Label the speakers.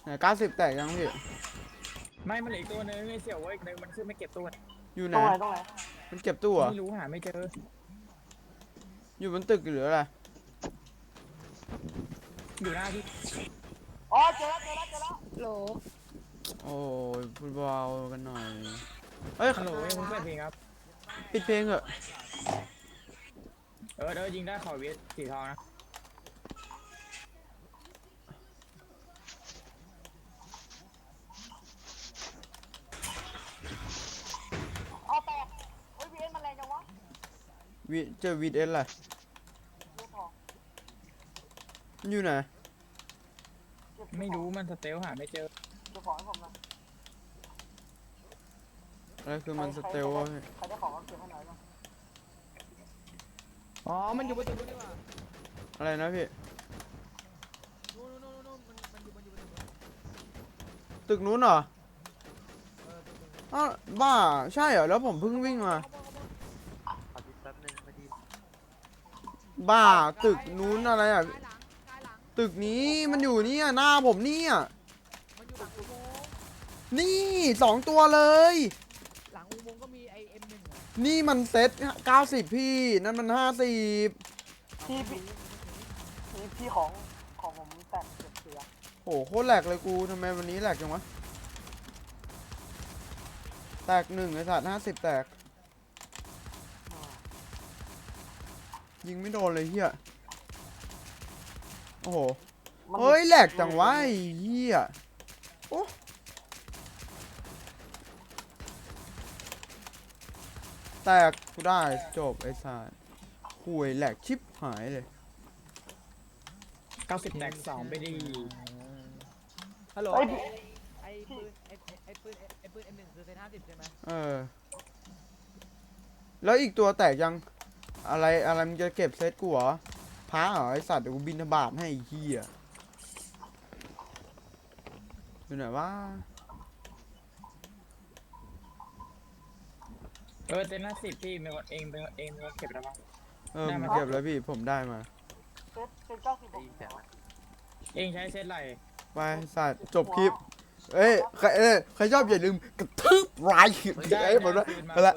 Speaker 1: 90แตกยังพี่
Speaker 2: ไม่มันเหลืออีกตัวนึงไอ้เสี่ยวเว้ยอีกนึงมันขึ้นไม่เก็บตัว
Speaker 1: อยู่ไหน
Speaker 3: ตรงไหน
Speaker 1: มันเก็บตู้เหรอ
Speaker 2: ไม่รู้หาไม่เจอ
Speaker 1: อยู่บนตึกหรืออะไร
Speaker 2: อยู่หน้าที่
Speaker 3: อ๋อเจอแล้ว
Speaker 4: โหล
Speaker 1: โอ้ยพูดเบากันหน่อยเฮ้ย
Speaker 2: ฮัลโหลยังมึงเปิดเพลงครับ
Speaker 1: ปิดเพลงเหอะ
Speaker 2: ยิงได้ขอเวทสีทองนะ
Speaker 3: เอาแตกเฮ้ยวีเอ็นมันแรงจังวะ
Speaker 1: เจอวีดเอสอะไร
Speaker 3: เจอทอง
Speaker 1: มันอยู่ไหน
Speaker 2: ไม่รู้มันสเตลหาไม่เจอ
Speaker 3: เจอของให้ผมนะ
Speaker 1: อะไรคือมันสเตลวะพี่
Speaker 3: ใครได้ของก็เก็บให้หน่อยนะ
Speaker 4: อ๋อมันอยู่บนตึกนี่หว่า
Speaker 1: อะไรนะพี่
Speaker 4: นู่นมันอยู่บนตึกนู้น
Speaker 1: ตึกนู้นเหรอ
Speaker 4: ตึกนู้น
Speaker 1: อ้าวบ้าใช่เหรอแล้วผมเพิ่งวิ่งมา
Speaker 5: ขอดูแป๊บนึงพอดี
Speaker 1: บ้าตึกนู้นอะไรอ่ะ
Speaker 4: กายหลัง
Speaker 1: ตึกนี้มันอยู่เนี่ยหน้าผมเนี่ย
Speaker 4: มันอยู่หลังอุโมงค์
Speaker 1: นี่2ตัวเลย
Speaker 4: หลังอุโมงค์ก็มีไอM1อ่ะ
Speaker 1: นี่มันเซ็ต90พี่นั่นมัน50
Speaker 3: พี่ของผมแตกเก็บเสีย
Speaker 1: โหโคตรแหลกเลยกูทำไมวันนี้แหลกจังวะแตก1ไอ้สัตว์50แตกยิงไม่โดนเลยเฮียโอ้โหเฮ้ยแหลกจังวะไอ้เฮียโอ้แตกกูได้จบไอ้สัตว์ห่วยแหลกชิบหายเลย
Speaker 2: 90แตก2ไปดี
Speaker 4: ฮัลโหล
Speaker 3: เฮ้ย
Speaker 4: ไอปืน M1 คือเซต50ใช่ไหม
Speaker 1: เออแล้วอีกตัวแตกยังอะไรมึงจะเก็บเซตกูเหรอพาเหรอไอสัตว์เดี๋ยวกูบินทบาทให้ไอ้เหี้ยอยู่ไหนวะ
Speaker 2: เต็มหน้า10พี่เป็นคนเองเป็นคนเก็บแล้วบ้าง ได้
Speaker 1: มา
Speaker 2: มา
Speaker 1: เก็บแล้วพี่ผมได้มา
Speaker 3: เซต90
Speaker 5: ได้ยินเสียงไหม
Speaker 2: เองใช้เซตอะไร
Speaker 1: ไปสัตว์จบคลิปใครชอบอย่าลืมกระทืบไลค์
Speaker 2: ได้
Speaker 1: ให้ผมด้วย
Speaker 2: คืนมา
Speaker 1: ไปละ